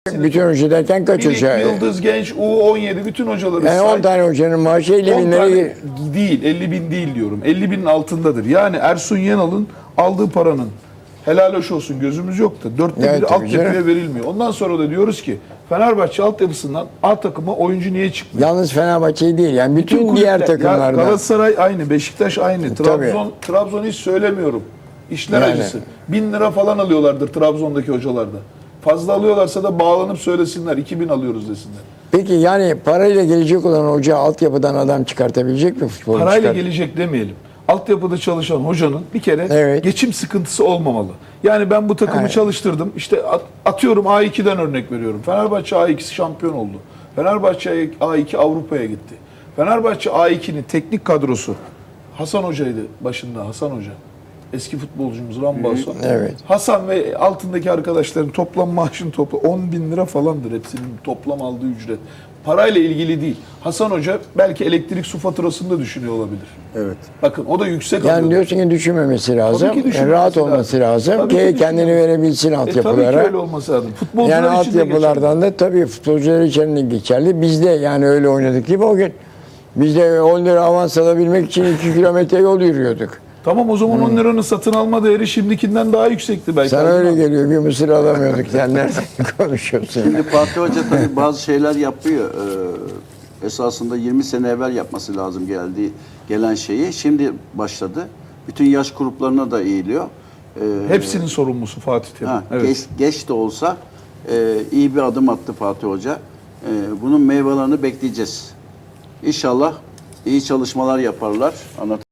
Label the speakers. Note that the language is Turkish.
Speaker 1: Bütün hoca derken kaç
Speaker 2: Minik,
Speaker 1: hoca?
Speaker 2: Yıldız Genç, U17 bütün hocaları
Speaker 1: Yani 10 tane hocanın maaşı 50
Speaker 2: 10
Speaker 1: bin
Speaker 2: tane
Speaker 1: lira.
Speaker 2: değil, 50 bin değil diyorum. 50 binin altındadır. Yani Ersun Yanal'ın aldığı paranın helal hoş olsun gözümüz yok da 4'te
Speaker 1: Evet,
Speaker 2: biri
Speaker 1: tabii
Speaker 2: altyapıya
Speaker 1: canım.
Speaker 2: verilmiyor. Ondan sonra da diyoruz ki Fenerbahçe altyapısından A takıma oyuncu niye çıkmıyor?
Speaker 1: Yalnız Fenerbahçe değil yani bütün
Speaker 2: kulüpler-
Speaker 1: diğer
Speaker 2: Ya
Speaker 1: takımlarda.
Speaker 2: Galatasaray aynı, Beşiktaş aynı,
Speaker 1: Tabii.
Speaker 2: Trabzon hiç söylemiyorum. İşler
Speaker 1: Yani.
Speaker 2: acısı. 1000 lira falan alıyorlardır Trabzon'daki hocalarda. Fazla alıyorlarsa da bağlanıp söylesinler. 2000 alıyoruz desinler.
Speaker 1: Peki yani parayla gelecek olan hoca altyapıdan adam çıkartabilecek mi futbol?
Speaker 2: Parayla gelecek demeyelim. Altyapıda çalışan hocanın bir kere
Speaker 1: Evet.
Speaker 2: geçim sıkıntısı olmamalı. Yani ben bu takımı
Speaker 1: Evet.
Speaker 2: çalıştırdım. İşte atıyorum A2'den örnek veriyorum. Fenerbahçe A2'si şampiyon oldu. Fenerbahçe A2 Avrupa'ya gitti. Fenerbahçe A2'nin teknik kadrosu Hasan Hoca'ydı başında, Hasan Hoca. Eski futbolcumuz Rambaso.
Speaker 1: Evet.
Speaker 2: Hasan ve altındaki arkadaşların toplam maaşın 10 bin lira falandır hepsinin toplam aldığı ücret. Parayla ilgili değil. Hasan Hoca belki elektrik su faturasını da düşünüyor olabilir.
Speaker 3: Evet.
Speaker 2: Bakın o da yüksek
Speaker 1: Yani
Speaker 2: alıyordu.
Speaker 1: diyorsun ki düşünmemesi lazım.
Speaker 2: Tabii ki
Speaker 1: Yani
Speaker 2: düşünmemesi
Speaker 1: rahat olması lazım.
Speaker 2: Tabii ki
Speaker 1: Ki kendini
Speaker 2: düşünmemesi.
Speaker 1: verebilsin
Speaker 2: Tabii ki
Speaker 1: altyapılara.
Speaker 2: öyle olması lazım. Futbolcular
Speaker 1: Yani
Speaker 2: için de
Speaker 1: altyapılardan da tabii futbolcular için de geçerli. Biz de yani öyle oynadık gibi o gün. Biz de 10 lira avans alabilmek için 2 kilometre yol yürüyorduk.
Speaker 2: Tamam o zaman 10 liranın satın alma değeri şimdikinden daha yüksekti belki.
Speaker 1: Sana öyle geliyor. Bir mısır alamıyorduk. Sen nereden konuşuyorsun?
Speaker 3: Şimdi Fatih Hoca tabii bazı şeyler yapıyor. Esasında 20 sene evvel yapması lazım gelen şeyi. Şimdi başladı. Bütün yaş gruplarına da eğiliyor.
Speaker 2: Hepsinin sorumlusu Fatih Terim.
Speaker 3: Ha,
Speaker 2: Evet.
Speaker 3: geç de olsa iyi bir adım attı Fatih Hoca. Bunun meyvelerini bekleyeceğiz. İnşallah iyi çalışmalar yaparlar.